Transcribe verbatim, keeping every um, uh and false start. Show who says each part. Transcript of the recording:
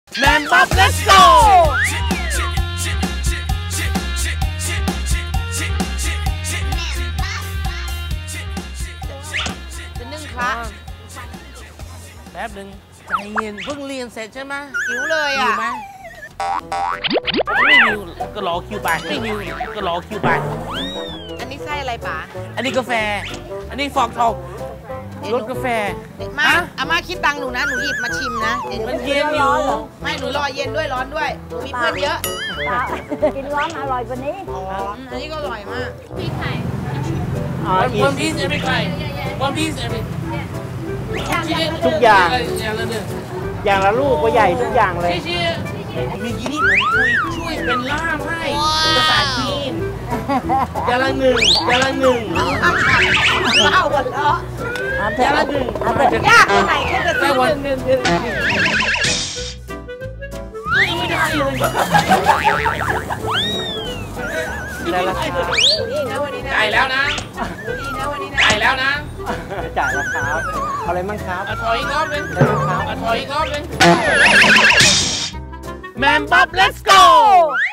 Speaker 1: แมมบ๊อบ let's go
Speaker 2: จะนึ่งพระ
Speaker 1: แป๊บหนึ่งใจเย็นเพิ่งเรียนเสร็จใช่ไหม
Speaker 2: หิวเลย
Speaker 1: หิ
Speaker 2: อ่ะ
Speaker 1: วไหมไม่หิวก็รอคิวไปไม่หิวก็รอคิวไป
Speaker 2: อันนี้ไส้อะไรป๋า
Speaker 1: อันนี้กาแฟ อันนี้ฟอกทองรสกาแฟ
Speaker 2: มาอาม่าคิดตังค์หนูนะ หนูหยิบมาชิมนะเดี๋ยวห
Speaker 1: มันเย็นอยู่
Speaker 2: ไม่หนูรอเย็นด้วยร้อนด้วยหนูมีเพื่อนเยอะ
Speaker 3: กินร้อนอร่อยกว่านี้
Speaker 2: อ๋ออันนี้ก็อร่อยมาก
Speaker 4: พี่ไข่
Speaker 1: One piece every guy One piece every
Speaker 5: ทุกอย่าง
Speaker 1: อย่างละหนึ่ง
Speaker 5: อย่างละลูกก็ใหญ่ทุกอย่างเลย
Speaker 1: เชี่ยๆมีกี้นี่ผมคุยช่วยเป็นล่ามให้ภาษาจีนอย่างละหนึ่งอย่างละหนึ่ง
Speaker 2: เล่ากันแล้ว
Speaker 1: อย่างละหนึ่ง
Speaker 2: ยากตรงไหนแค่จะซื้อหนึ่งหนึ่งหนึ่ง
Speaker 1: ไม่ได้เลย
Speaker 5: ได้ราคา
Speaker 2: ดีนะวันนี้นะ
Speaker 1: จ่ายแล้วนะ
Speaker 2: ดีนะวันนี้นะ
Speaker 1: จ่ายแล้วนะ
Speaker 5: จ่ายราคาเอาอะไรมั่งครับ
Speaker 1: อ่ะถอยอีกรอบนึง
Speaker 5: ได้ไหมครับ
Speaker 1: อ่ะถอยอีกรอบนึงแมมบ๊อบ let's go